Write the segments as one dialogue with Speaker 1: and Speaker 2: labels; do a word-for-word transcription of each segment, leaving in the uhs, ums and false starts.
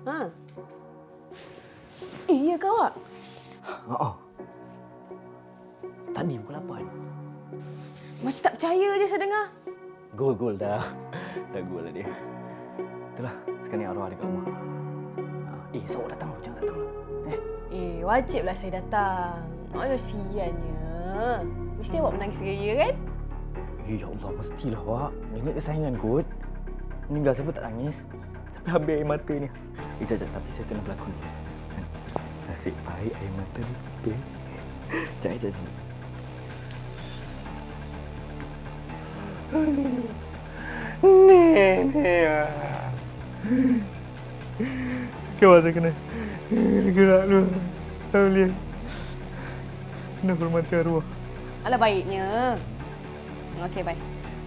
Speaker 1: Ha? Eh, ya ke awak?
Speaker 2: Oh, oh. Tadi pukul lapan.
Speaker 1: Macam tak percaya je saya dengar.
Speaker 2: Gol, gol dah. Dah gol lah dia. Itulah, sekarang ni arwah dekat rumah. Eh, so awak datang loh, jangan datang loh. Eh,
Speaker 1: Eh, wajiblah saya datang. Aduh, siannya. Mesti awak menangis raya kan?
Speaker 2: eh, ya Allah, mestilah awak. Nenek kesayangan kot. Meninggal siapa tak nangis. Tapi habis air mata ni. Eh, jap, jap, tapi saya kena berlakon ni. Nasib baik air mata ni sepil. Jap, jap, jap. Nenek. Nenek. Kau saya kena gerak dulu. Tak boleh. Kena hormati arwah.
Speaker 1: Alah, baiknya. Okey, baik.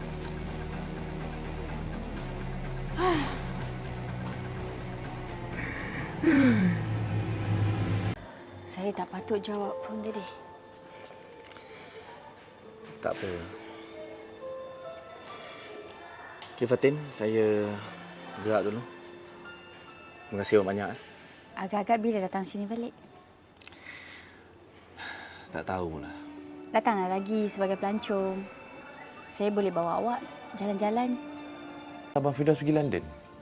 Speaker 1: Saya tak patut jawab pun tadi.
Speaker 2: Tak apa. Okey, Fatin. Saya gerak dulu. Terima kasih awak banyak.
Speaker 3: Agak-agak bila datang sini balik?
Speaker 2: Tak tahulah.
Speaker 3: Datanglah lagi sebagai pelancong. Saya boleh bawa awak jalan-jalan.
Speaker 4: Abang Firdaus pergi London?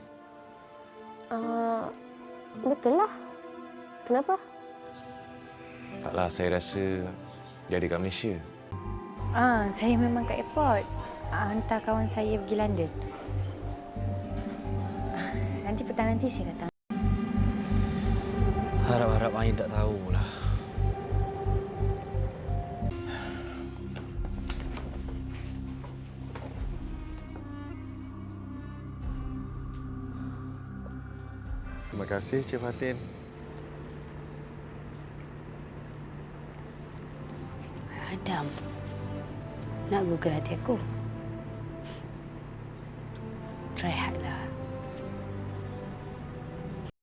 Speaker 5: Uh, betul lah. Kenapa?
Speaker 4: Taklah, saya rasa dia ada kat Malaysia.
Speaker 3: Ah, saya memang kat airport. Ah, hantar kawan saya pergi London. Ah, nanti petang nanti saya datang.
Speaker 4: Harap-harap Ain tak tahulah. Terima kasih, Cik Fatin.
Speaker 3: Adam, nak google hati aku. Try hard lah.